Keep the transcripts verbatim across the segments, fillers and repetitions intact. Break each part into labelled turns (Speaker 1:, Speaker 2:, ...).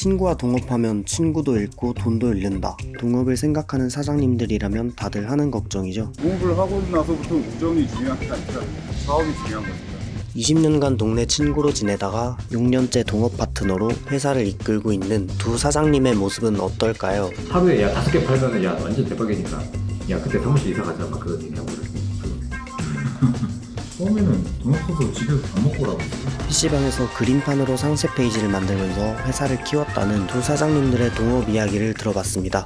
Speaker 1: 친구와 동업하면 친구도 잃고 돈도 잃는다. 동업을 생각하는 사장님들이라면 다들 하는 걱정이죠.
Speaker 2: 동업을 하고 나서부터 우정이 중요한 게 아니라 사업이 중요한 거니까.
Speaker 1: 이십 년간 동네 친구로 지내다가 육 년째 동업 파트너로 회사를 이끌고 있는 두 사장님의 모습은 어떨까요?
Speaker 3: 하루에 야 다섯 개 팔면은 야 완전 대박이니까 야 그때 사무실 이사 가자 막 그런 얘기 하고 그랬어.
Speaker 4: 처음에는 돈 없어서 집에서 밥 먹고 라고 했어요.
Speaker 1: 피시방에서 그림판으로 상세 페이지를 만들면서 회사를 키웠다는 두 사장님들의 동업 이야기를 들어봤습니다.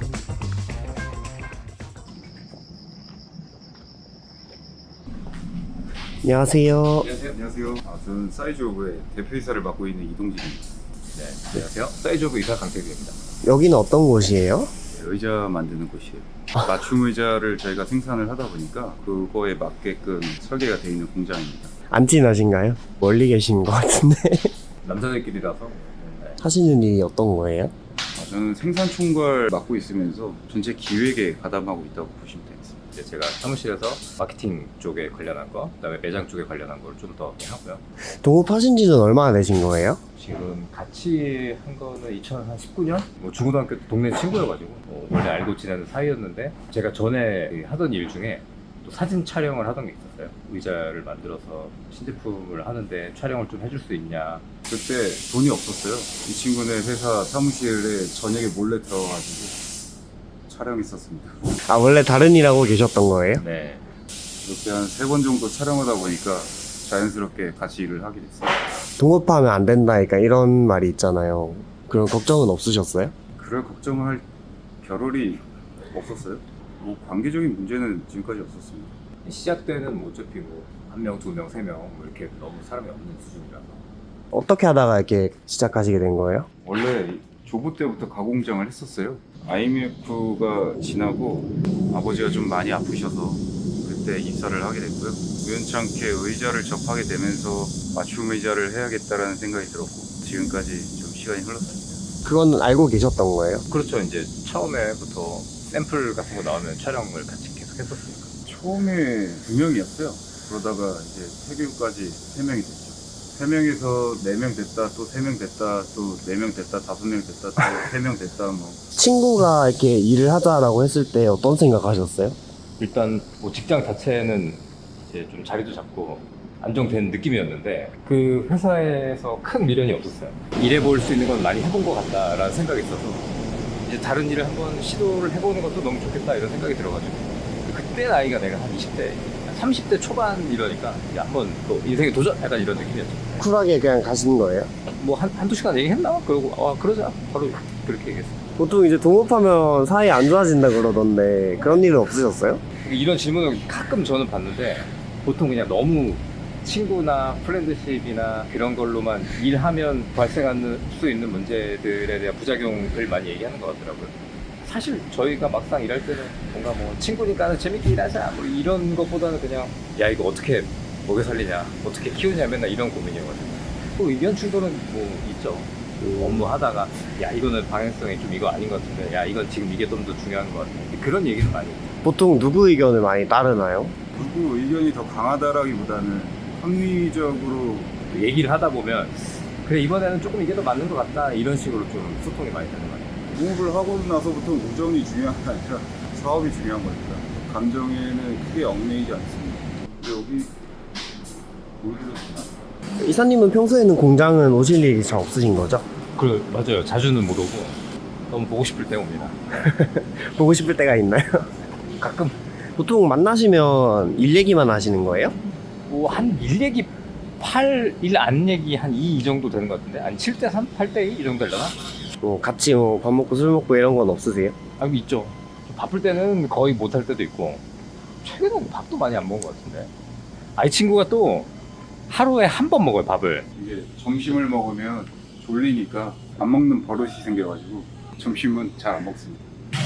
Speaker 1: 안녕하세요.
Speaker 2: 안녕하세요. 안녕하세요. 아, 저는 사이즈오브의 대표이사를 맡고 있는 이동진입니다.
Speaker 3: 네, 안녕하세요. 사이즈오브 이사 강태규입니다.
Speaker 1: 여기는 어떤 곳이에요?
Speaker 2: 의자 만드는 곳이에요. 맞춤 의자를 저희가 생산을 하다 보니까 그거에 맞게끔 설계가 되어 있는 공장입니다.
Speaker 1: 안 친하신가요? 멀리 계신 것 같은데.
Speaker 3: 남자들끼리라서 네.
Speaker 1: 하시는 일이 어떤 거예요?
Speaker 2: 아, 저는 생산 총괄 맡고 있으면서 전체 기획에 가담하고 있다고 보시면 되겠습니다.
Speaker 3: 이제 제가 사무실에서 마케팅 쪽에 관련한 거, 그다음에 매장 쪽에 관련한 걸 좀 더 하고요.
Speaker 1: 동업하신 지는 얼마나 되신 거예요?
Speaker 3: 지금 같이 한 거는 이천십구 년? 뭐 중고등학교 동네 친구여가지고 뭐 원래 알고 지내는 사이였는데 제가 전에 하던 일 중에 또 사진 촬영을 하던 게 있었어요. 의자를 만들어서 신제품을 하는데 촬영을 좀 해줄 수 있냐.
Speaker 2: 그때 돈이 없었어요. 이 친구네 회사 사무실에 저녁에 몰래 들어가가지고 촬영했었습니다.
Speaker 1: 아, 원래 다른 일 하고 계셨던 거예요?
Speaker 3: 네.
Speaker 2: 이렇게 한 세 번 정도 촬영하다 보니까 자연스럽게 같이 일을 하게 됐어요.
Speaker 1: 동업하면 안 된다니까 이런 말이 있잖아요. 그런 걱정은 없으셨어요?
Speaker 2: 그럴 걱정을 할 겨를이 없었어요. 뭐 관계적인 문제는 지금까지 없었습니다.
Speaker 3: 시작 때는 뭐 어차피 뭐 한 명, 두 명, 세 명 뭐 이렇게 너무 사람이 없는 수준이라서
Speaker 1: 어떻게 하다가 이렇게 시작하시게 된 거예요?
Speaker 2: 원래 조부 때부터 가공장을 했었어요. 아이엠에프가 지나고 아버지가 좀 많이 아프셔서 그때 입사를 하게 됐고요. 우연찮게 의자를 접하게 되면서 맞춤 의자를 해야겠다라는 생각이 들었고 지금까지 좀 시간이 흘렀습니다.
Speaker 1: 그건 알고 계셨던 거예요?
Speaker 3: 그렇죠. 이제 처음에부터 샘플 같은 거 나오면 촬영을 같이 계속 했었으니까.
Speaker 2: 처음에 두 명이었어요. 그러다가 이제 태교까지 세 명이 됐죠. 세 명에서 네 명 됐다, 또 세 명 됐다, 또 네 명 됐다, 다섯 명 됐다, 또 세 명 됐다, 뭐.
Speaker 1: 친구가 이렇게 일을 하자라고 했을 때 어떤 생각하셨어요?
Speaker 3: 일단 뭐 직장 자체는 이제 좀 자리도 잡고 안정된 느낌이었는데 그 회사에서 큰 미련이 없었어요. 일해볼 수 있는 건 많이 해본 것 같다라는 생각이 있어서 이제 다른 일을 한번 시도를 해보는 것도 너무 좋겠다 이런 생각이 들어가지고 그때 나이가 내가 한 이십 대, 삼십 대 초반 이러니까 이제 한번 또 인생에 도전 약간 이런 느낌이었죠.
Speaker 1: 쿨하게 그냥 가신 거예요?
Speaker 3: 뭐 한, 한두 시간 얘기했나? 그러고 아 그러자 바로 그렇게 얘기했어요.
Speaker 1: 보통 이제 동업하면 사이 안 좋아진다 그러던데 그런 일은 없으셨어요?
Speaker 3: 이런 질문을 가끔 저는 받는데 보통 그냥 너무 친구나 프렌드십이나 그런 걸로만 일하면 발생할 수 있는 문제들에 대한 부작용을 많이 얘기하는 것 같더라고요. 사실 저희가 막상 일할 때는 뭔가 뭐 친구니까 재밌게 일하자 뭐 이런 것보다는 그냥 야 이거 어떻게 먹여 살리냐 어떻게 키우냐 맨날 이런 고민이어가지고 또 의견 충돌은 뭐 있죠. 그 업무 하다가 야 이거는 방향성이 좀 이거 아닌 것 같은데 야 이건 지금 이게 좀 더 중요한 것 같아 그런 얘기는 많이 해요.
Speaker 1: 보통 누구 의견을 많이 따르나요?
Speaker 2: 누구 의견이 더 강하다라기보다는 합리적으로
Speaker 3: 얘기를 하다 보면 그래 이번에는 조금 이게 더 맞는 것 같다 이런 식으로 좀 소통이 많이 되는 것 같아요.
Speaker 2: 동업을 하고 나서부터 우정이 중요한 게 아니라 사업이 중요한 거니까 감정에는 크게 얽매이지 않습니다. 근데 여기 보여드렸구나.
Speaker 1: 이사님은 평소에는 공장은 오실 일이 잘 없으신 거죠?
Speaker 3: 그 맞아요. 자주는 못 오고 너무 보고 싶을 때 옵니다.
Speaker 1: 보고 싶을 때가 있나요?
Speaker 3: 가끔
Speaker 1: 보통 만나시면 일 얘기만 하시는 거예요?
Speaker 3: 뭐 한 일 얘기 팔, 일 안 얘기 한 이 정도 되는 것 같은데 한 칠 대 삼, 팔 대 이 이 정도 되려나?
Speaker 1: 뭐 같이 뭐 밥 먹고 술 먹고 이런 건 없으세요?
Speaker 3: 아 있죠. 좀 바쁠 때는 거의 못 할 때도 있고 최근에 밥도 많이 안 먹은 것 같은데 아 이 친구가 또 하루에 한 번 먹어요 밥을.
Speaker 2: 이게 점심을 먹으면 졸리니까 안 먹는 버릇이 생겨가지고 점심은 잘 안 먹습니다.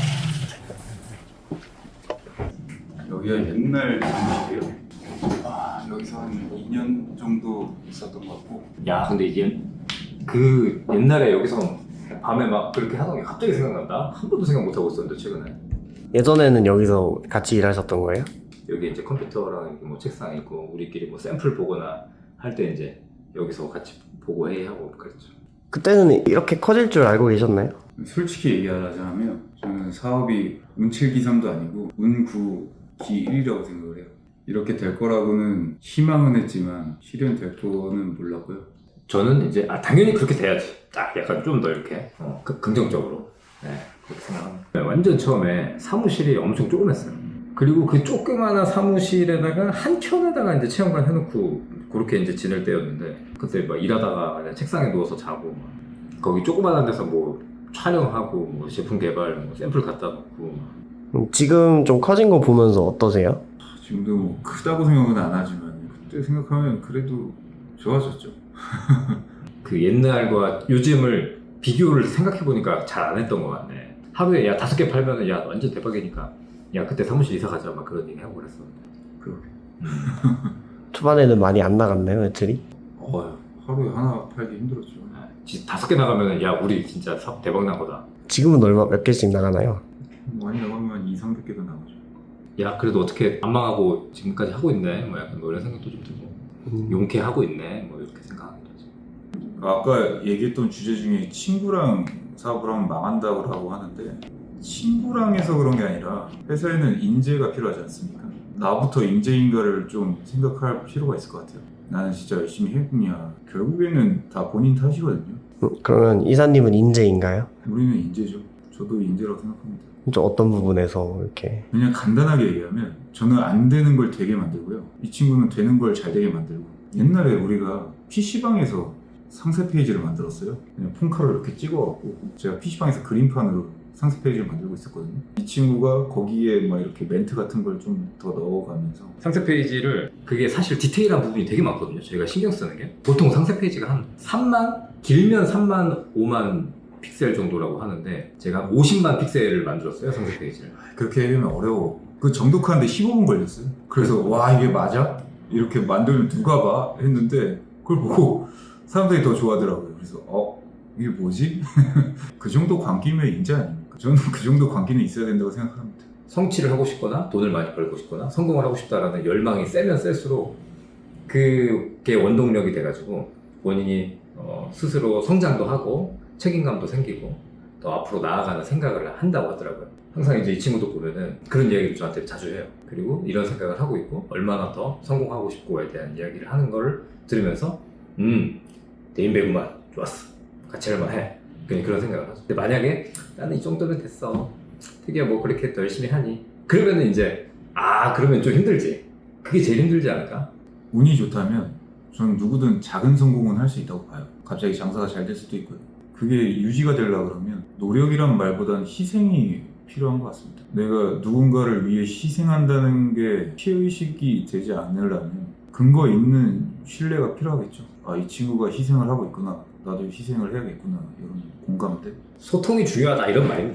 Speaker 2: 여기가 옛날 사무실이에요. 아, 여기서 한 이 년 정도 있었던 것 같고.
Speaker 3: 야 근데 이게 그 옛날에 여기서 밤에 막 그렇게 하던 게 갑자기 생각난다? 한 번도 생각 못 하고 있었는데 최근에
Speaker 1: 예전에는 여기서 같이 일하셨던 거예요?
Speaker 3: 여기 이제 컴퓨터랑 이렇게 뭐 책상 있고 우리끼리 뭐 샘플 보거나 할 때 이제 여기서 같이 보고 회의하고 그랬죠.
Speaker 5: 그때는 이렇게 커질 줄 알고 계셨나요?
Speaker 2: 솔직히 얘기하자면 저는 사업이 운칠기삼도 아니고 운구기일이라고 생각을 해요. 이렇게 될 거라고는 희망은 했지만 실현될 거는 몰랐고요.
Speaker 3: 저는 이제 아 당연히 그렇게 돼야지. 딱 약간 좀 더 이렇게 어, 그, 긍정적으로 네, 그렇게 생각합니다. 네, 완전 처음에 사무실이 엄청 조그맸어요. 그리고 그 조그마한 사무실에다가 한 켠에다가 이제 체험관 해놓고 그렇게 이제 지낼 때였는데 그때 막 일하다가 그냥 책상에 누워서 자고 막 거기 조그마한 데서 뭐 촬영하고 뭐 제품 개발 뭐 샘플 갖다 놓고
Speaker 5: 음, 지금 좀 커진 거 보면서 어떠세요?
Speaker 2: 지금도 뭐 크다고 생각은 안 하지만 그때 생각하면 그래도 좋아졌죠.
Speaker 3: 그 옛날과 요즘을 비교를 생각해보니까 잘 안 했던 것 같네. 하루에 야 다섯 개 팔면은 야 완전 대박이니까 야 그때 사무실 이사 가자 막 그런 얘기 하고 그랬었는데
Speaker 2: 그렇게
Speaker 5: 초반에는 많이 안 나갔나요, 매출이?
Speaker 2: 어, 하루에 하나 팔기 힘들었죠.
Speaker 3: 지- 다섯 개 나가면은 야 우리 진짜 사업 대박 난 거다.
Speaker 5: 지금은 얼마 몇 개씩 나가나요?
Speaker 2: 많이 나가면 이삼백 개도 나가죠.
Speaker 3: 야 그래도 어떻게 안 망하고 지금까지 하고 있네 뭐 약간 뭐 이런 생각도 좀 들고
Speaker 5: 음.
Speaker 3: 용케하고 있네 뭐 이렇게 생각하기도 하지.
Speaker 2: 아까 얘기했던 주제 중에 친구랑 사업을 하면 망한다고 하는데 친구랑 해서 그런 게 아니라 회사에는 인재가 필요하지 않습니까? 나부터 인재인가를 좀 생각할 필요가 있을 것 같아요. 나는 진짜 열심히 했냐. 결국에는 다 본인 탓이거든요.
Speaker 5: 음, 그러면 이사님은 인재인가요?
Speaker 2: 우리는 인재죠. 저도 인재라고 생각합니다.
Speaker 5: 좀 어떤 부분에서 이렇게
Speaker 2: 그냥 간단하게 얘기하면 저는 안 되는 걸 되게 만들고요. 이 친구는 되는 걸 잘 되게 만들고. 옛날에 우리가 피시방에서 상세 페이지를 만들었어요. 그냥 폰카로 이렇게 찍어갖고 제가 피시방에서 그림판으로 상세 페이지를 만들고 있었거든요. 이 친구가 거기에 막 이렇게 멘트 같은 걸 좀 더 넣어가면서
Speaker 3: 상세 페이지를 그게 사실 디테일한 부분이 되게 많거든요. 저희가 신경 쓰는 게 보통 상세 페이지가 한 삼만 길면 삼만 오만 픽셀 정도라고 하는데 제가 오십만 픽셀을 만들었어요 상세 페이지를.
Speaker 2: 그렇게 하면 어려워. 그 정독하는데 십오 분 걸렸어요. 그래서 와 이게 맞아? 이렇게 만들면 누가 봐? 했는데 그걸 보고 사람들이 더 좋아하더라고요. 그래서 어? 이게 뭐지? 그 정도 광기면 인재 아닙니까? 저는 그 정도 광기는 있어야 된다고 생각합니다.
Speaker 3: 성취를 하고 싶거나 돈을 많이 벌고 싶거나 성공을 하고 싶다라는 열망이 세면 셀수록 그게 원동력이 돼가지고 본인이 어, 스스로 성장도 하고 책임감도 생기고 또 앞으로 나아가는 생각을 한다고 하더라고요. 항상 이제 이 친구도 보면은 그런 이야기를 저한테 자주 해요. 그리고 이런 생각을 하고 있고 얼마나 더 성공하고 싶고에 대한 이야기를 하는 걸 들으면서 음 대인 배구만 좋았어 같이 할만해 그냥 그런 생각을 하죠. 근데 만약에 나는 이 정도면 됐어 특이야 뭐 그렇게 더 열심히 하니 그러면은 이제 아 그러면 좀 힘들지. 그게 제일 힘들지 않을까?
Speaker 2: 운이 좋다면 저는 누구든 작은 성공은 할 수 있다고 봐요. 갑자기 장사가 잘 될 수도 있고요. 그게 유지가 되려고 그러면 노력이란 말보다는 희생이 필요한 것 같습니다. 내가 누군가를 위해 희생한다는 게 피해의식이 되지 않으려면 근거 있는 신뢰가 필요하겠죠. 아, 이 친구가 희생을 하고 있구나. 나도 희생을 해야겠구나. 이런 공감대.
Speaker 3: 소통이 중요하다 이런 말입니다.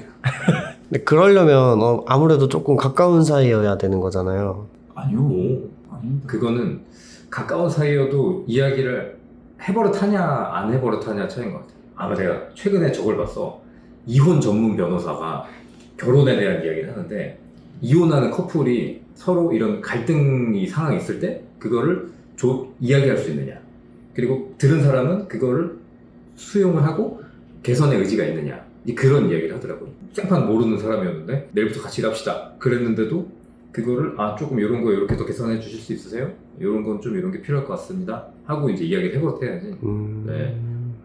Speaker 5: 근데 그러려면 어, 아무래도 조금 가까운 사이여야 되는 거잖아요.
Speaker 2: 아니요.
Speaker 3: 오.
Speaker 2: 아닙니다.
Speaker 3: 그거는 가까운 사이여도 이야기를 해버릇하냐 안 해버릇하냐 차이인 것 같아요. 아마 내가 최근에 저걸 봤어. 이혼 전문 변호사가 결혼에 대한 이야기를 하는데 이혼하는 커플이 서로 이런 갈등이 상황이 있을 때 그거를 조, 이야기할 수 있느냐 그리고 들은 사람은 그거를 수용을 하고 개선의 의지가 있느냐 그런 이야기를 하더라고요. 생판 모르는 사람이었는데 내일부터 같이 일합시다 그랬는데도 그거를 아 조금 이런 거 이렇게 더 개선해 주실 수 있으세요? 이런 건 좀 이런 게 필요할 것 같습니다 하고 이제 이야기를 해버릇해야지.
Speaker 5: 음...
Speaker 3: 네.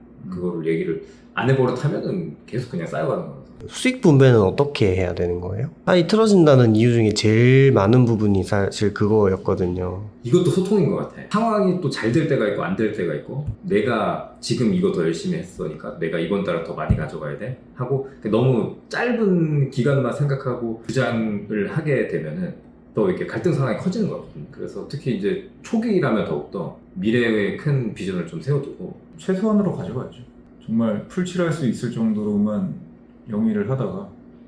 Speaker 3: 그거를 얘기를 안 해버릇하면은 계속 그냥 쌓여가는 거라서.
Speaker 5: 수익 분배는 어떻게 해야 되는 거예요? 사이 틀어진다는 이유 중에 제일 많은 부분이 사실 그거였거든요.
Speaker 3: 이것도 소통인 것 같아. 상황이 또 잘 될 때가 있고 안 될 때가 있고 내가 지금 이거 더 열심히 했으니까 내가 이번 달에 더 많이 가져가야 돼 하고 너무 짧은 기간만 생각하고 주장을 하게 되면은 또 이렇게 갈등 상황이 커지는 것 같거든요. 그래서 특히 이제 초기라면 더욱더 미래의 큰 비전을 좀 세워두고
Speaker 2: 최소한으로 가져가야죠. 정말 풀칠할 수 있을 정도로만 영위를 하다가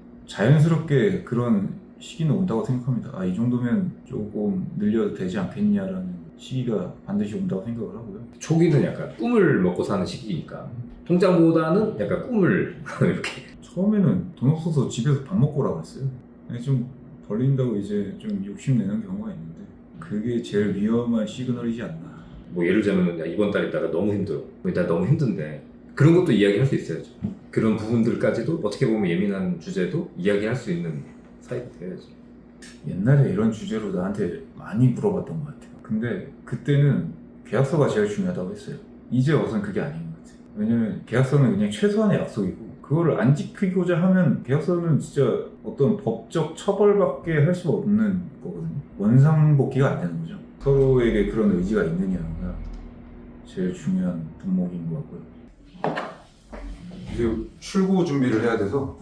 Speaker 2: 자연스럽게 그런 시기는 온다고 생각합니다. 아, 이 정도면 조금 늘려도 되지 않겠냐라는 시기가 반드시 온다고 생각을 하고요.
Speaker 3: 초기는 약간 꿈을 먹고 사는 시기니까 통장보다는 약간 꿈을 이렇게
Speaker 2: 처음에는 돈 없어서 집에서 밥 먹고 오라고 했어요. 좀 벌린다고 이제 좀 욕심내는 경우가 있는데 그게 제일 위험한 시그널이지 않나.
Speaker 3: 뭐 예를 들면 야, 이번 달에 나가 너무 힘들어 나 너무 힘든데 그런 것도 이야기할 수 있어야죠. 그런 부분들까지도 어떻게 보면 예민한 주제도 이야기할 수 있는 사이가 돼야죠.
Speaker 4: 옛날에 이런 주제로 나한테 많이 물어봤던 것 같아요. 근데 그때는 계약서가 제일 중요하다고 했어요. 이제 와서는 그게 아닌 것 같아요. 왜냐면 계약서는 그냥 최소한의 약속이고 그거를 안 지키고자 하면 계약서는 진짜 어떤 법적 처벌밖에 할 수가 없는 거거든요. 원상복귀가 안 되는 거죠. 서로에게 그런 의지가 있느냐가 제일 중요한 덕목인 것 같고요.
Speaker 2: 이제 출고 준비를 해야 돼서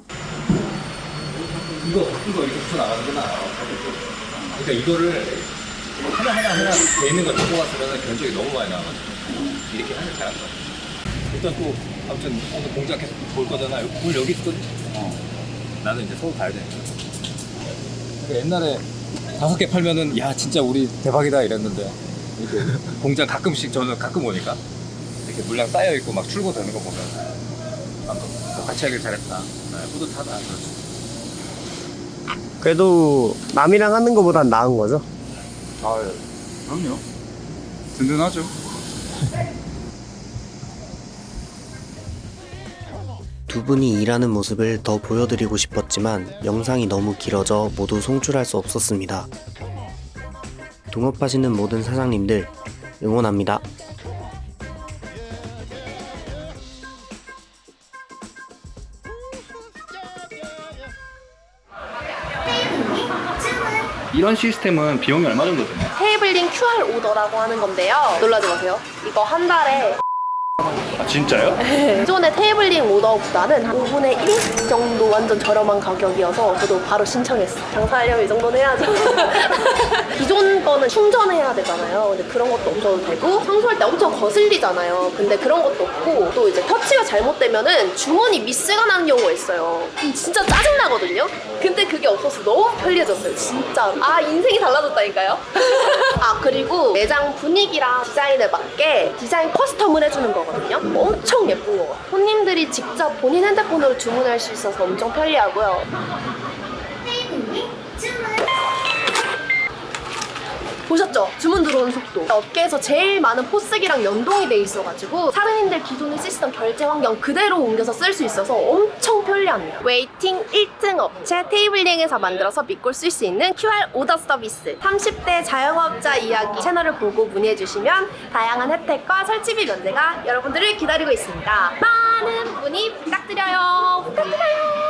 Speaker 3: 이거 이거 이렇게 붙여 나가는구나. 그러니까 이거를 하나 하나 하나 돼 있는 걸 갖고 갔으면 견적이 너무 많이 나와가지고 이렇게 하면 잘안 돼. 일단 또 아무튼 오늘 공장 계속 볼 거잖아. 물 여기 있거든. 어. 나는 이제 서울 가야 되니까. 그러니까 옛날에 다섯 개 팔면은 야 진짜 우리 대박이다 이랬는데 이렇게 공장 가끔씩 저는 가끔 오니까 이렇게 물량 쌓여 있고 막 출고되는 거 보면 아무튼 같이 하길 잘했다. 네, 뿌듯하다. 그렇지.
Speaker 5: 그래도 남이랑 하는 것보단 나은 거죠?
Speaker 2: 아 그럼요. 든든하죠.
Speaker 1: 두 분이 일하는 모습을 더 보여드리고 싶었지만 영상이 너무 길어져 모두 송출할 수 없었습니다. 동업하시는 모든 사장님들 응원합니다.
Speaker 6: 이런 시스템은 비용이 얼마 정도 드나요?
Speaker 7: 테이블링 큐알 오더라고 하는 건데요. 놀라지 마세요. 이거 한 달에
Speaker 6: 아 진짜요?
Speaker 7: 기존의 테이블링 오더보다는 한 오분의 일 정도 완전 저렴한 가격이어서 저도 바로 신청했어요. 장사하려면 이 정도는 해야죠. 기존 거는 충전해야 되잖아요. 근데 그런 것도 없어도 되고 청소할 때 엄청 거슬리잖아요. 근데 그런 것도 없고 또 이제 터치가 잘못되면은 주머니 미스가 나는 경우가 있어요. 그럼 진짜 짜증나거든요. 근데 그게 없어서 너무 편리해졌어요. 진짜. 아 인생이 달라졌다니까요. 아 그리고 매장 분위기랑 디자인에 맞게 디자인 커스텀을 해주는 거거든요. 엄청 예쁜 거. 손님들이 직접 본인 핸드폰으로 주문할 수 있어서 엄청 편리하고요. 보셨죠? 주문 들어오는 속도. 업계에서 제일 많은 포스기랑 연동이 돼 있어가지고 사장님들 기존에 쓰시던 결제 환경 그대로 옮겨서 쓸 수 있어서 엄청 편리합니다. 웨이팅 일 등 업체 테이블링에서 만들어서 믿고 쓸 수 있는 큐알 오더 서비스. 삼십 대 자영업자 이야기 채널을 보고 문의해주시면 다양한 혜택과 설치비 면제가 여러분들을 기다리고 있습니다. 많은 문의 부탁드려요. 부탁드려요.